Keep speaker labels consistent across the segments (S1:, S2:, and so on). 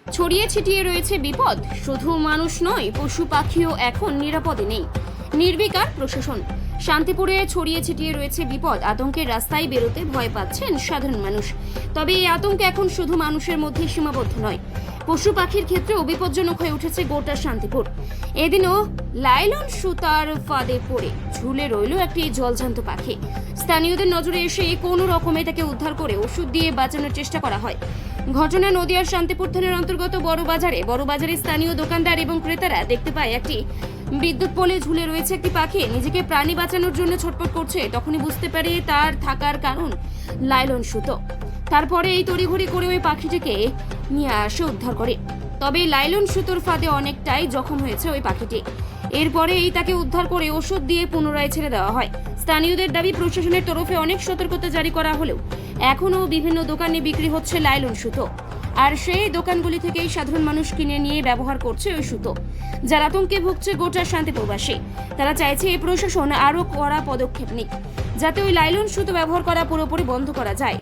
S1: ছড়িয়ে ছিটিয়ে রয়েছে বিপদ। শুধু মানুষ নয়, পশু পাখিও এখন নিরাপদে নেই। নির্বিকার প্রশাসন। শান্তিপুরে ছড়িয়ে ছিটিয়ে রয়েছে বিপদ। আতঙ্কের রাস্তায় বেরোতে ভয় পাচ্ছেন সাধারণ মানুষ। তবে এই আতঙ্ক এখন শুধু মানুষের মধ্যে সীমাবদ্ধ নয়, পশু পাখির ক্ষেত্রেও বিপজ্জনক হয়ে উঠেছে গোটা শান্তিপুর। এদিনও লাইলন সুতার ফাঁদে পড়ে ঝুলে রইল একটি জলজান্ত পাখি। স্থানীয়দের নজরে এসে কোনো রকমে তাকে উদ্ধার করে ওষুধ দিয়ে বাঁচানোর চেষ্টা করা হয়। ঘটনা নদিয়ার শান্তিপুর থানার অন্তর্গত বড়বাজারে স্থানীয় দোকানদার এবং ক্রেতারা দেখতে পায় একটি বিদ্যুৎ পোলে ঝুলে রয়েছে একটি পাখি। নিজেকে প্রাণী বাঁচানোর জন্য ছটফট করছে। তখনই বুঝতে পারে তার থাকার কারণ লাইলন সুতো। তারপরে এই তড়িঘড়ি করে ওই পাখিটিকে নিয়ে আসে উদ্ধার করে। তবে লাইলন সুতোর ফাঁদে অনেকটাই জখম হয়েছে ওই পাখিটি। এরপরেই তাকে উদ্ধার করে ওষুধ দিয়ে পুনরায় ছেড়ে দেওয়া হয়। স্থানীয়দের দাবি, প্রশাসনের তরফে অনেক সতর্কতা জারি করা হলেও এখনও বিভিন্ন দোকানে বিক্রি হচ্ছে লাইলন সুতো। আর সেই দোকানগুলি থেকেই সাধারণ মানুষ কিনে নিয়ে ব্যবহার করছে ওই সুতো। যার আতঙ্কে ভুগছে গোটা শান্তিপুরবাসী। তারা চাইছে এই প্রশাসন আরও কড়া পদক্ষেপ নিক, যাতে ওই লাইলন সুতো ব্যবহার করা পুরোপুরি বন্ধ করা যায়।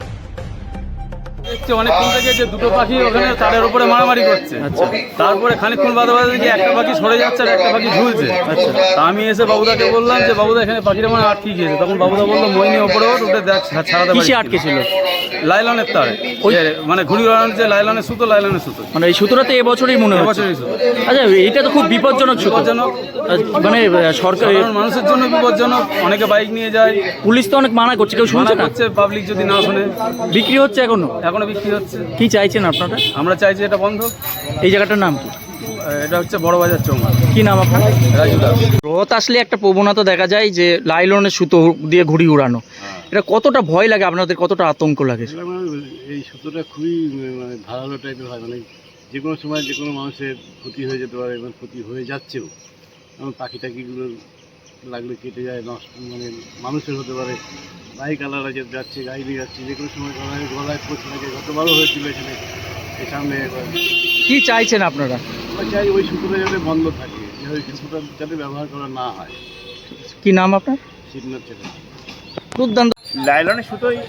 S2: দেখছি অনেকক্ষণ থেকে যে দুটো পাখি ওখানে তারের উপরে মারামারি করছে। তারপরে খানিকক্ষণ বাদে দেখি একটা পাখি সরে যাচ্ছে আর একটা পাখি ঝুলছে। তা আমি এসে বাবুদাকে বললাম যে বাবুদা এখানে পাখিটা মানে আটকে গিয়েছে। তখন বাবুদা বললো মইনি ওপরে উঠে দেখ ছাড়াতে পারি।
S3: আটকে ছিল
S2: লাইলনের তারে, ওই মানে ঘুড়ি ওড়ানোর যে লাইলনের সুতো
S3: মানে এই সুতোটা তো এবছরই মনে হচ্ছে।
S2: এবছরই সুতো।
S3: আচ্ছা, এইটা তো খুব বিপজ্জনক সুতো।
S2: বিপজ্জনক
S3: মানে সরকার
S2: সাধারণ মানুষের জন্য বিপজ্জনক। অনেকে বাইক নিয়ে যায়,
S3: পুলিশ তো অনেক মানা করছে, কেউ শুনছে
S2: মানা
S3: না।
S2: করছে, পাবলিক যদি না শুনে।
S3: বিক্রি হচ্ছে এখনো
S2: বিক্রি হচ্ছে।
S3: কি চাইছেন আপনারা?
S2: আমরা চাইছি এটা বন্ধ।
S3: এই জায়গাটার নাম কি?
S2: এটা হচ্ছে বড়বাজার চৌমা।
S3: কি নাম আপনার?
S2: রাজু দাস।
S3: রথ আসলে একটা প্রবণতা দেখা যায় যে লাইলনের সুতো দিয়ে ঘুড়ি উড়ানো। এটা কতটা ভয় লাগে আপনাদের, কতটা আতঙ্ক লাগে?
S4: এই সুতোটা খুবই মানে ধারালো টাইপের হয়, মানে যে কোনো সময় যে কোনো মানুষের ক্ষতি হয়ে যেতে পারে এবং ক্ষতি হয়ে যাচ্ছেও। যেমন পাখি টাকিগুলো লাগলে কেটে যায়, নষ্ট মানে মানুষের হতে পারে। বাইক আলাদা যাচ্ছে, গাড়ি নিয়ে যাচ্ছে, যে কোনো সময় গলায় পৌঁছে থাকে। গতবারও হয়েছিল এখানে এই সামনে।
S3: কি চাইছেন আপনারা?
S4: আমরা চাই ওই সুতোটা যাতে বন্ধ থাকে, যে ওই সুতোটা যাতে ব্যবহার করা না হয়।
S3: কি নাম আপনার?
S4: শিবনাথ ছেলে।
S3: দুর্দান্ত।
S5: লাইলনের সুতোই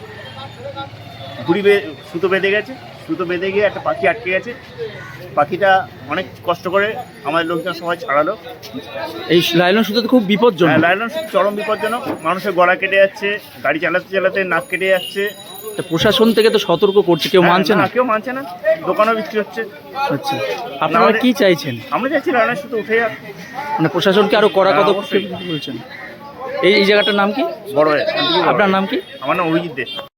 S5: সুতো বেঁধে গেছে। সুতো বেঁধে গিয়ে একটা পাখি আটকে গেছে। পাখিটা অনেক কষ্ট করে আমাদের লোকজন সবাই ছাড়ালো।
S3: এই লাইলন সুতো তো খুব বিপজ্জনক।
S5: লাইলন সুতো চরম বিপজ্জনক। মানুষের গলা কেটে যাচ্ছে, গাড়ি চালাতে চালাতে নাক কেটে যাচ্ছে।
S3: প্রশাসন থেকে তো সতর্ক করছে, কেউ মানছে না।
S5: কেউ মানছে না, দোকানও বিক্রি হচ্ছে।
S3: আচ্ছা, আপনারা কি চাইছেন?
S5: আমরা চাইছি লাইলনের সুতো উঠে যাক।
S3: মানে প্রশাসনকে আরো কড়া পদক্ষেপ বলছেন। এই জায়গাটার নাম কি?
S5: বড়।
S3: আপনার নাম কি?
S5: আমার নাম অভিজিৎ দে।